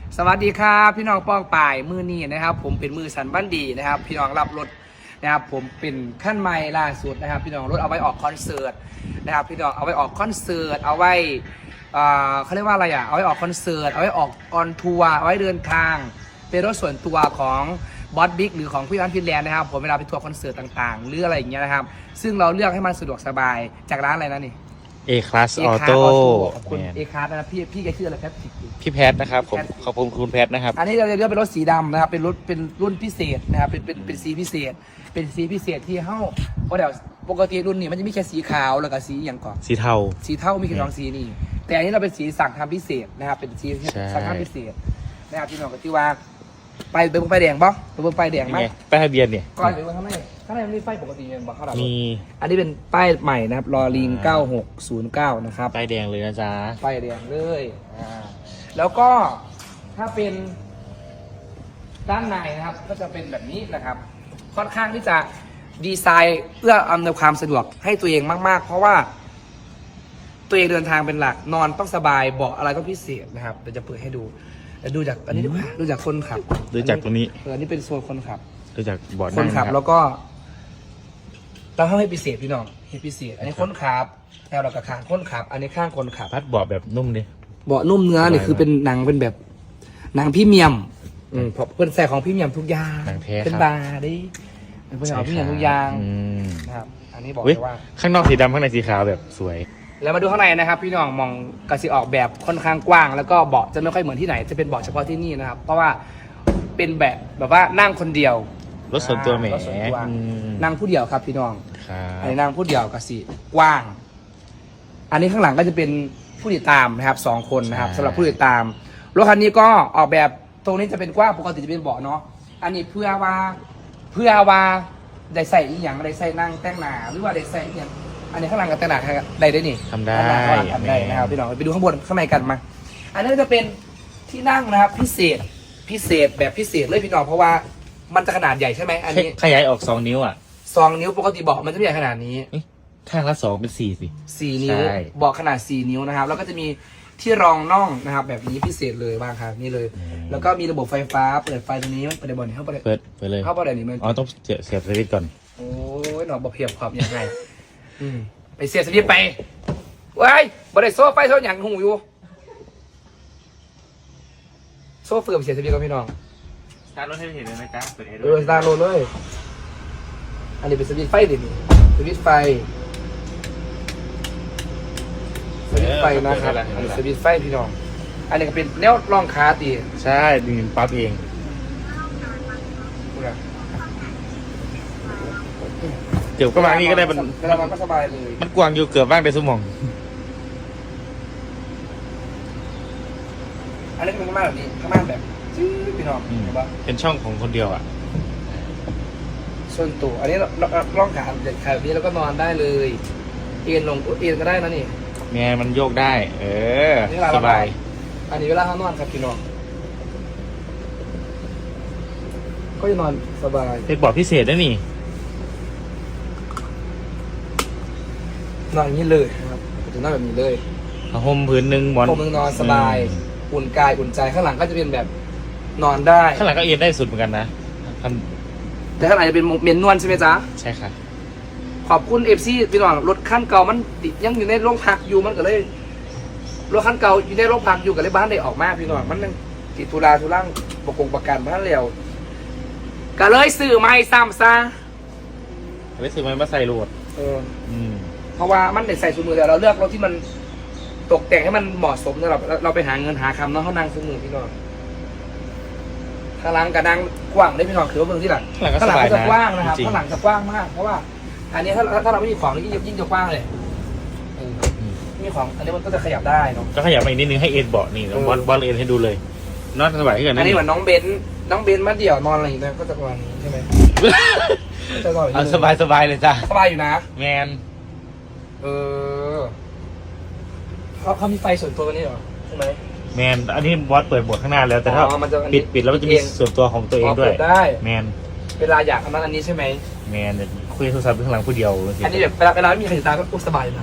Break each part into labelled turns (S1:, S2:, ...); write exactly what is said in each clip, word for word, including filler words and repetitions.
S1: สวัสดีครับพี่น้องป้องป่ายมือนี้นะครับผมเป็นมือสันบันดีนะครับพี่น้องรับรถนะครับผมเป็นขั้นใหม่ล่าสุดนะครับพี่น้องรถเอาไว้ออกคอนเสิร์ตนะครับพี่น้องเอาไว้ออกคอนเสิร์ตเอาไว้เขาเรียกว่าอะไรอ่ะเอาไว้ออกคอนเสิร์ตเอาไว้ออกออนทัวร์เอาไว้เดินทางเป็นรถส่วนตัวของบอสบิ๊กหรือของพี่อันฟินแลนด์นะครับผมเวลาไปทัวร์คอนเสิร์ตต่างๆหรืออะไรอย่างเงี้ยนะครับซึ่งเราเลือกให้มันสะดวกสบายจากร้านอะไรนะนี่
S2: เอคลาสออโต้
S1: ขอบคุณเอคลาสนะครับพี่พี่แกชื่ออะไรแพทริก
S2: พี่แพทนะครับผมขอบคุณคุณแพทนะครับ
S1: อันนี้เราจะเลือกเป็นรถสีดำนะครับเป็นรถเป็นรุ่นพิเศษนะครับเป็นเป็นเป็นสีพิเศษเป็นสีพิเศษที่เข้าเพราะเดี๋ยวปกติรุ่นนี้มันจะมีแค่สีขาวแล้วก็สีอย่างก่อน
S2: สีเทา
S1: สีเทามีแค่สองสีนี่แต่อันนี้เราเป็นสีสั่งทำพิเศษนะครับเป็นสีสั่งทำพิเศษนะครับที่น้องก็ที่ว่าไปเบิ้งไฟแดงบ่ไปเบิ้งไฟแดงไหม
S2: ป้ายทะเบียนเนี่ย
S1: ก่อนไปเบิ้งข้างในข้างในมันมีไฟปกติยังบ่เข้าดับ
S2: มี
S1: อันนี้เป็นป้ายใหม่นะครับลอลิงเก้าหกศูนย์เก้านะครับ
S2: ป้ายแดงเลยนะจ๊ะ
S1: ป้ายแดงเลยอ่าแล้วก็ถ้าเป็นด้านในนะครับก็จะเป็นแบบนี้นะครับค่อนข้างที่จะดีไซน์เพื่ออำนวยความสะดวกให้ตัวเองมากๆเพราะว่าตัวเองเดินทางเป็นหลักนอนต้องสบายเบาะอะไรต้องพิเศษนะครับเดี๋ยวจะเปิดให้ดูดูจากอันนี้ดูดูจากคนขับ
S2: ดูจากตรงนี้
S1: เออนี่เป็นโซนคนขับ
S2: ดูจากเบาะ
S1: คนขับแล้วก็ต้องให้พิเศษพี่น้องให้พิเศษอันนี้คนขับแถวเรากระคางคนขับอันนี้ข้างคนขับ
S2: พัดเบาะแบบนุ่มดิ
S1: เบาะนุ่มเนื้อนี่คือเป็นหนังเป็นแบบหนังพรีเมียมอืมเพราะเป็นใส่ของพรีเมียมทุกอย่างเป็นบาร์ดิเป็นของพรีเมียมทุกอย่างนะครับอันนี้บอกเลยว่า
S2: ข้างนอกสีดำข้างในสีขาวแบบสวย
S1: แล้วมาดูข้างในนะครับพี่น้องมองกระสีออกแบบค่อนข้างกว้างแล้วก็เบาะจะไม่ค่อยเหมือนที่ไหนจะเป็นเบาะเฉพาะที่นี่นะครับเพราะว่าเป็นแบบแบบว่านั่งคนเดียว
S2: รถส่วนตัวแหม
S1: นั่งผู้เดียวครับพี่น้องอันนี้นั่งผู้เดียวกระสีกว้างอันนี้ข้างหลังก็จะเป็นผู้ติดตามนะครับสองคนนะครับสำหรับผู้ติดตามรถคันนี้ก็ออกแบบตรงนี้จะเป็นกว้างปกติจะเป็นเบาะเนาะอันนี้เพื่อว่าเพื่อว่าได้ใส่อีกอย่างได้ใส่นั่งแต่งหน้าหรือว่าได้ใส่อีกอย่างอันนี้ข้างหลังกับแต่งหน้าได้ได้นี่
S2: ทำได้
S1: ทำได้นะครับพี่น้องไปดูข้างบนข้างในกันมาอันนี้จะเป็นที่นั่งนะครับพิเศษพิเศษแบบพิเศษเลยพี่น้องเพราะว่ามันจะขนาดใหญ่ใช่ไหมอันนี้
S2: ขยายออกสองนิ้วอ่ะ
S1: สองนิ้วปกติเบาะมันจะไม่ใหญ่ขนาดนี้
S2: ข้างละสองเป็นสี่สิ
S1: สี่นิ้วเบาะขนาดสี่นิ้วนะครับแล้วก็จะมีที่รองน่องนะครับแบบนี้พิเศษเลยบ้างครับนี่เลยแล้วก็มีระบบไฟฟ้าเปิดไฟตรงนี้เปิดในบ่อนเข้าไป
S2: เปิดไปเลย
S1: เข้าไปในนี้มัน
S2: อ๋อต้องเสียบเสียบสวิตช์ก่อน
S1: โอ้ยหนอบอกเพียบความยังไงอืมไปเสียบสวิตช์ไปว้ายบริโซ่ไฟโซ่หยังหูอยู่โซ่เฟื่อมเสียบสวิตช์กับพี่น้อง
S2: สตาร์ทรถให้เห็นเลยนะจ๊ะเปิดเอ
S1: เออสตาร์ทรถเลยอันนี้เป็นสวิตช์ไฟดิสวิตช์ไฟสวิตช์ไฟนะครับอันนี้สวิตช์ไฟพี่น้องอันนี้ก็เป็นแนวรองขาตี
S2: ใช่ดึงปั๊บเองเกือบก็มานี่ก็ได้มัน
S1: มันก็สบายเลย
S2: มันกว้างอยู่เกือบบ้างในสมอง
S1: อันนี้เป็นข้างหน้าแบบนี้ข้างหน้าแบบจี้พี่น้องเห็นปะ
S2: เป็นช่องของคนเดียวอ่ะ
S1: ส่วนตัวอันนี้ร่องขาเด็ดขาแบบนี้แล้วก็นอนได้เลยเอ็นลงเอ็นก็ได้นะนี่
S2: แม่มันโยกได้เออสบาย
S1: อันนี้เวลาเขานอนครับพี่น้องก็จะนอนสบาย
S2: เป็นเบาะพิเศษนะนี่
S1: นอนอย่างนี้เลยนะครับจะนอนแบบนี้เลย
S2: ผ้าห่มพื้นหนึ่งหมอน
S1: ห่มหนึ่งนอนสบายอุ่นกายอุ่นใจข้างหลังก็จะเป็นแบบนอนได้
S2: ข้างหลังก็เอ็นได้สุดเหมือนกันนะ
S1: แต่ข้างหลังจะเป็นเมนนวลใช่ไหมจ๊ะ
S2: ใช่ค่ะ
S1: ขอบคุณเอฟซีพี่น้องรถขั้นเก่ามันยังอยู่ในโรงพักอยู่มันก็เลยรถขั้นเก่าอยู่ในโรงพักอยู่กับเลยบ้านได้ออกมาพี่น้องมันยังติดตุลาทุลังประกงประกันบ้านเร็วก็เลยซื้อไม้ซ้ำซะ
S2: ไม่ซื้อไม้มาใส่รถ
S1: เออเพราะว่ามันได้ใส่สูมือแต่เราเลือกรถที่มันตกแต่งให้มันเหมาะสมสำหรับเราไปหาเงินหาคำเนาะเขานั่งสูมือพี่น้องข้างหลังกระดังกว้างได้พี่น้องคือว่าเมืองที่หลังข้างหลังจะกว้างนะครับข้างหลังจะกว้างมากเพราะว่าอันนี้ถ้าถ้าเราไม่มีของนี่ยิ่งจะกว้างเลยมีของอันนี้มันก็จะขยับได้เนาะ
S2: ก็ขยับไปอีกนิดนึงให้เอ็นเบาะนี่บอลบอลเอ็นให้ดูเลยนอนสบายขึ้น
S1: อันนี้เหมือนน้องเบนน้องเบนมาเดี่ยวนอนอะไรอย่างเงี้ยก็จะประมาณนี้ใช่ไหม
S2: จะนอนสบายสบายเลยจ้ะ
S1: สบายอยู่นะ
S2: แมน
S1: เออเขาเขามีไฟส่วนตัวนี้เหรอใช่ไหม
S2: แมนอันนี้บอสเปิดบทข้างหน้าแล้วแต่ถ้าปิดปิดแล้วมันจะมีส่วนตัวของตัวเองด้วย
S1: ได้
S2: แมน
S1: เวลาอยากทำอันนี้ใช่ไหม
S2: แมนคุยโทรศัพท์ข้างหลังผู้เดียว
S1: อันนี้แบบเวลาเวลาไม่มีใครติดตามก็สบายนะ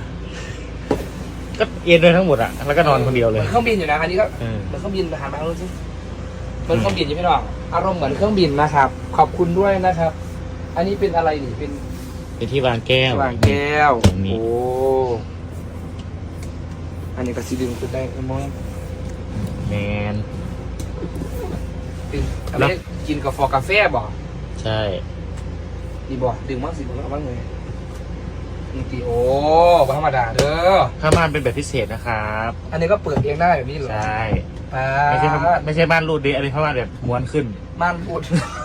S2: ก็เอ็นเลยทั้งหมดอ่ะแล้วก็นอนคนเดียวเลย
S1: เครื่องบินอยู่นะอันนี้ก็เหมือนเครื่องบินทหารมาแล้วใช่เหมือนเครื่องบินใช่ไหมน้องอารมณ์เหมือนเครื่องบินนะครับ ขอบคุณด้วยนะครับ อันนี้เป็นอะไรนี่เป็น
S2: เป็นที่วางแก้ว
S1: วางแก้ว
S2: ตรงนี้
S1: โอ้อันนี้ก็สีดึงขึ้นได้มั้ง
S2: แมน
S1: เป็นอะไรกินกาแฟกาแฟบ่
S2: ใช่
S1: ดีบ่ดึงมั้งสิดึงเอาบ้างเลยนี่ตีโอ้บ่ธรรมดาเด้อ
S2: ผ้าม่านเป็นแบบพิเศษนะครับ
S1: อันนี้ก็เปิดเองได้แบบนี้เหรอ
S2: ใช่
S1: ป้า
S2: ไม่ใช่ผ้าไม่ใช่ม่านรูดดิอันนี้ผ้าม่านแบบม้วนขึ้น
S1: ม่านพูด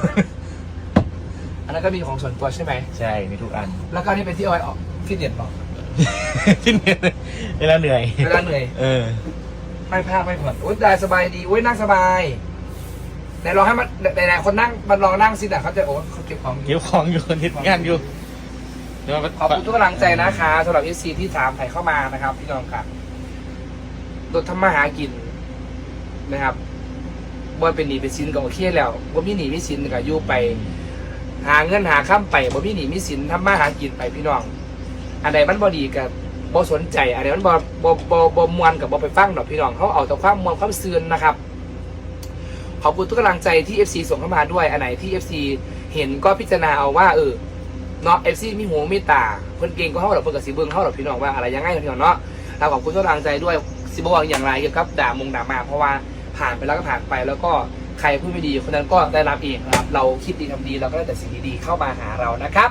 S1: อันนั้นก็มีของส่วนตัวใช่ไหม
S2: ใช่มีทุกอัน
S1: แล้วก็นี่เป็นที่เอาไว้ออกฟิตเนสบอก
S2: ที่เนี่ยเวลาเหนื่อย
S1: เวลาเหนื่อย
S2: เออ
S1: ไม่พลาดไม่ผ่อนโอ๊ยได้สบายดีโอ๊ยนั่งสบายไหนลองให้มันไหนๆคนนั่งมันลองนั่งสิแต่เขาจะโอ้เขาเก็บของอยู่
S2: เก็บของอยู่ทิศงานอยู่เดี๋ยวมา
S1: ขอบคุณทุกกำลังใจนะคะสำหรับเอฟซีที่ถามไถ่เข้ามานะครับ พี่น้องครับรถทำมาหากินนะครับบ่เป็นหนีเป็นสินก็โอเคแล้วบ่มีหนีมีสินก็อยู่ไป หาเงินหาข้ามไปบ่มีหนีมีสินทำมาหากินไปพี่น้อง อันใดมันบ่ดีกับบ่สนใจอันใดมันบ่บ่บ่บ่มวนกับบ่ไปฟังดอกพี่น้องเขาเอาแต่ความมวนความซืนนะครับขอบคุณทุกกำลังใจที่ เอฟ ซี ส่งเข้ามาด้วยอันไหนที่ เอฟ ซี เห็นก็พิจารณาเอาว่าเออเนาะ เอฟ ซี มีหูมีตาเพิ่นเก่งก็เฮาดอกเพิ่นก็สิเบิ่งเฮาดอกพี่น้องว่าอะไรยังไงพี่น้องเนาะเราขอบคุณทุกกำลังใจด้วยสิบ่ว่าอย่างไรเกี่ยวกับด่ามงด่ามาเพราะว่าผ่านไปแล้วก็ผ่านไปแล้วก็ใครพูดไม่ดีคนนั้นก็ได้รับเองนะครับเราคิดดีทำดีเราก็ได้แต่สิ่งดีๆเข้ามาหาเรานะครับ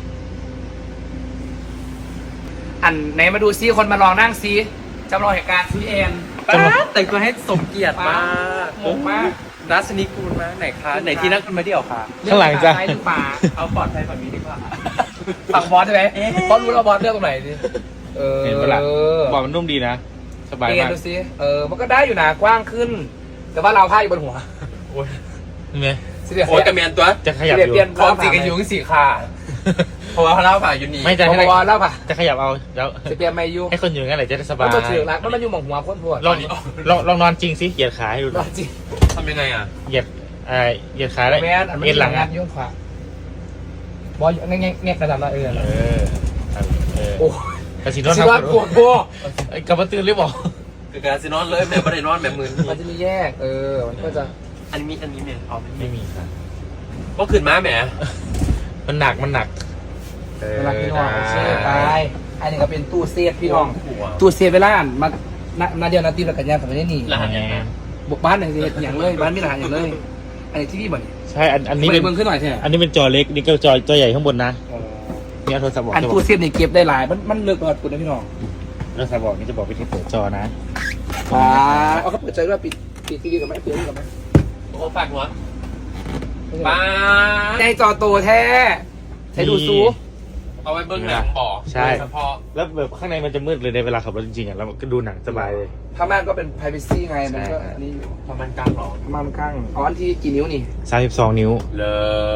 S1: อันไหนมาดูซิคนมาลองนั่งซิจำลองเหตุการณ์ซิแอน
S3: ป้าแต่งตัวให้สมเกียรติมาก
S1: งงมาก
S3: รัชนีกูลมากไหนคะไหนที่นั่งกินมาเดี่ยวคะ
S2: ข้างหลังจ้ะ
S1: ซ้ายหรือขวา
S3: เอาปลอดภัยฝั่งนี้ดีกว่า
S1: ฝั่งบอสใช่ไหม
S3: เอ๊ะ
S1: บอสรู้แล้วบอสเลือกตรงไหนดิเออ
S2: เห็นปะล่ะบอกมันนุ่มดีนะ สบาย
S1: เอ็น
S2: มาก
S1: ดูซิเออมันก็ได้อยู่นะกว้างขึ้น แต่ว่าเราผ้าอยู่บนหัว
S3: โอ้ย
S2: เห็นไหม
S1: สิเดีย
S3: โอ้ยกระเมียนตัว
S2: จะขยับ
S1: เปลี่ยน
S2: อยู่
S1: เปลี่ยน
S3: ความจริงกันอยู่ที่สี่ขาเพราะว่าเขาเล่าผ่าอยู่นี่
S2: ไม่จะ
S1: บ
S2: ให้
S1: อสเล่าป่ะ
S2: จะขยับเอาแล้ว
S1: จะเปลี่ยนไม่อยู่
S2: ให้คนอยู่งั้นแหละจะได้สบา
S1: มั
S2: ย
S1: นมาถือรักมันมาอยู่หมองหัวพ้นพวด
S2: ลองลองลองนอนจริงสิเหยียดขาให้ดูห
S1: ร
S2: น่
S1: อ
S2: อย
S1: จริง
S3: ทำยังไงอ่ะ
S2: เหยียดเอ่อเหยียดขาแล้ว
S1: แม่น
S2: เอ็นหลัง
S1: งา
S2: อ่ะ
S1: นยุ่งขวาบอสแง่แง่แง่กระดานละเออ
S2: เออเออ
S1: โอ้
S2: กระสินอน
S1: สิ
S2: ทำ
S1: ว่าปวดโบ
S2: ไอ้กลับมาตื่นหรือเปล่า
S3: คือการซีนอนเลยแม่ไม่ได้นอนแบบมือ
S1: มันจะมีแยก เออ มันก็จะ
S3: อันนี้มีอันนี้แม่เอาไม่
S2: ไม่มีครับ
S3: ก็ขึ้นมาแหม
S2: มันหนักมันหนัก
S1: เวลาพี่น้องเชื่อไปอันนี้ก็เป็นตู้เซฟพี่น้อง
S3: หัว
S1: ตู้เซฟเวลาอ่านมานานาเดียวนาทีละกันยาแต่ไม่ได้หนี
S3: รหัสยังไง
S1: บุกบ้านหนึ่งเอย่างเลย บ้านมีรหัสอย่างเลย อันนี้ที่พี่บ่น
S2: ใช่อันอันนี้
S1: เปิ
S2: เป็
S1: ด
S2: น
S1: เบิ้งขึ้นหน่อยใช่ไหม
S2: อันนี้เป็นจอเล็กนี่ก็จอจอใหญ่ข้างบนนะนี่เอาโทรศัพท์บอก
S1: อัน
S2: จะบอ
S1: ตู้
S2: ก
S1: เซฟนี่เก็บได้หลาย มันมันเลือกกว่าคุณนะพี่น้อง
S2: โทรศัพท์บอกนี่จะบอกวิธีเปิดจอนะ
S1: อ่าเอาเขาเปิดใจด้วยปิดปิดทีวีกับไหมเปิดกับไหม
S3: โอ้ฝากหัวป้า
S1: ใจจอโตแท้ใช้ดูซู
S3: เอาไว้เบิ้งหนังบ่อเฉพาะ
S2: แล้วแบบข้างในมันจะมืดเลยในเวลาขับรถจริงๆอ่ะแล้วก็ดูหนังสบายเลย
S1: พม่านก็เป็น privacy ไง มันก็
S2: ใช่
S1: อันนี้
S3: ประมาณกลางหรอ
S1: พม่านกั้งอ๋ออันที่กี่นิ้วนี่
S2: สามสิบสองนิ้ว
S3: เลย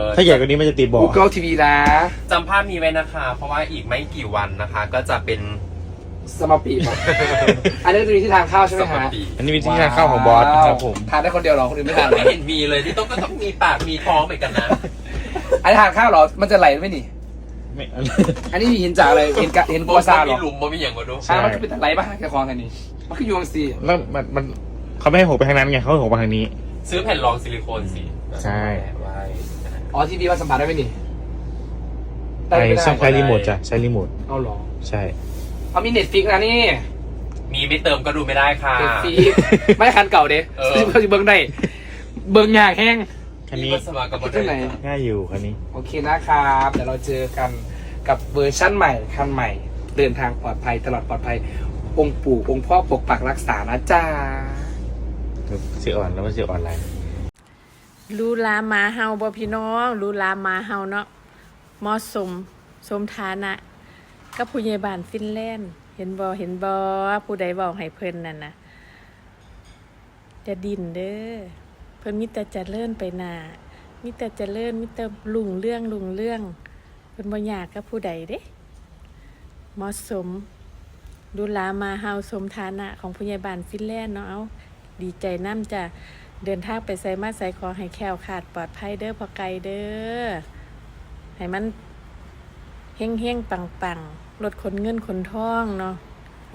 S2: ถ้าใหญ่กว่านี้มันจะติดเบอก
S1: Google ที วี นะ
S3: จำภาพนี้ไว้นะคะ เพราะว่าอีกไม่กี่วันนะคะ ก็จะเป็น
S1: สมาปีป่ะ อันนี้จะมีที่ทานข้าวใช่ไหม
S3: สปา
S1: ฮะ
S3: ปี
S2: อันนี้เป็นที่ทานข้าวของบอสนะครับผม
S1: ทานได้คนเดียวเหรอ คนอื่นไม่ทานเหร
S3: ไม่
S1: อ
S3: เห็นมีเลยที่ต้องก็ต้องมีปากมีท้องเหมือนกันนะ
S1: อันนี้ทานข้าวเหรอ มันจะไหลไหมนี่
S2: ไม่
S1: อันนี้มีเห็นจากอะไร เห็นกะเห็นกัวซาเหร
S3: มี
S1: อ
S3: หลุมบ่มีอย่างก็ดู
S1: อ่ามันก็เป็นไหลป่ะแค่คลองกันนี่ มันคือยูเอ็มซี
S2: แล้วมันมันเขาไม่ให้หกไปทางนั้นไงเขาให้หกไปทางนี้
S3: ซื้อแผ่นรองซิลิโคนสิ
S2: ใช่
S3: ไว้
S1: อ๋อทีวีมันสัมผัสได้ไหมนี่
S2: ไอ้ช่องใช้รีโมทจ้ะใช้รีโมท
S1: เอาเหรอ
S2: ใช่
S1: เอามีเน็ตฟิกนะนี่
S3: มีไม่เติมก็ดูไม่ได้ค่ะ
S1: เน็ตฟิกไม่คันเก่าเด้
S3: เออ
S1: เขาจะเบิ้งได้ เบิ้งยากแห้ง
S2: คันนี้
S3: มีสมัครกับ
S1: คิดที่ไหน
S2: ง่ายอยู่คันนี้
S1: โอเคนะครับ เดี๋ยวเราเจอกันกับเวอร์ชั่นใหม่คันใหม่ เดินทางปลอดภัยตลอดปลอดภัย องค์ปู่องค์พ่อปกปักรักษานะจ๊ะ
S2: เสียอ่อนแล้วมันเสียออนไลน์
S4: ลูลาหมาเฮาบ่พี่น้องลูลาหมาเฮาเนาะเหมาะสมสมฐานะกับผู้ใหญ่บ้านฟินแลนด์เห็นบ่เห็นบ่ผู้ใดบอกให้เพิ่นนั่นน่ะจะดินเด้อเพิ่นมีแต่เจริญไปหน้ามีแต่เจริญมีแต่รุ่งเรื่องรุ่งเรื่องเพิ่นบ่ยากกับผู้ใดเด้เหมาะสมลูลาหมาเฮาสมฐานะของผู้ใหญ่บ้านฟินแลนด์เนาะเอาดีใจนำจ้ะ เดินทางไปใส่มาใส่ขอให้แคล้วขาดปลอดภัยเด้อพอไกลเด้อให้มันเฮงเฮงปังปังรถขนเงินขนทองเนาะร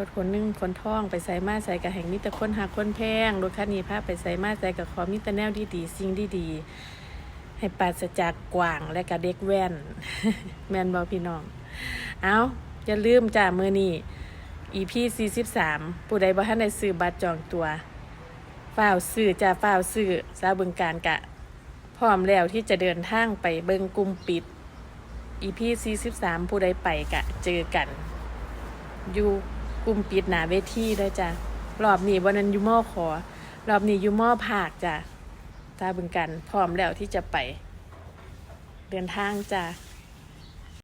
S4: ถขนหนึ่งขนท่องไปใส่มาใส่กับแห่งมิตรคนหักคนแพงรถคันนี้พาไปใส่มาใส่กับขอมิตรแนวดีๆสิ่งดีๆให้ปราศจากกว่างและกับเด็กแว่น แมนบอพี่น้องเอาอย่าลืมจ้ามือนี้ อี พี สี่สิบสามผู้ใดบ่ทันได้ซื้อบัตรจองตัวฝ้าวซื้อจ้าฝ้าวซื้อสาวบึงการกะพร้อมแล้วที่จะเดินทางไปเบิงกลุ่มปิด อี พี สี่สิบสามผู้ใดไปกะเจอกันอยู่กลุ่มปิดหนาเวทีเด้อจ้ะรอบนี้วันนั้นอยู่มอขอรอบนี้อยู่มอภาคจ้ะสาวบึงการพร้อมแล้วที่จะไปเดินทางจ้ะ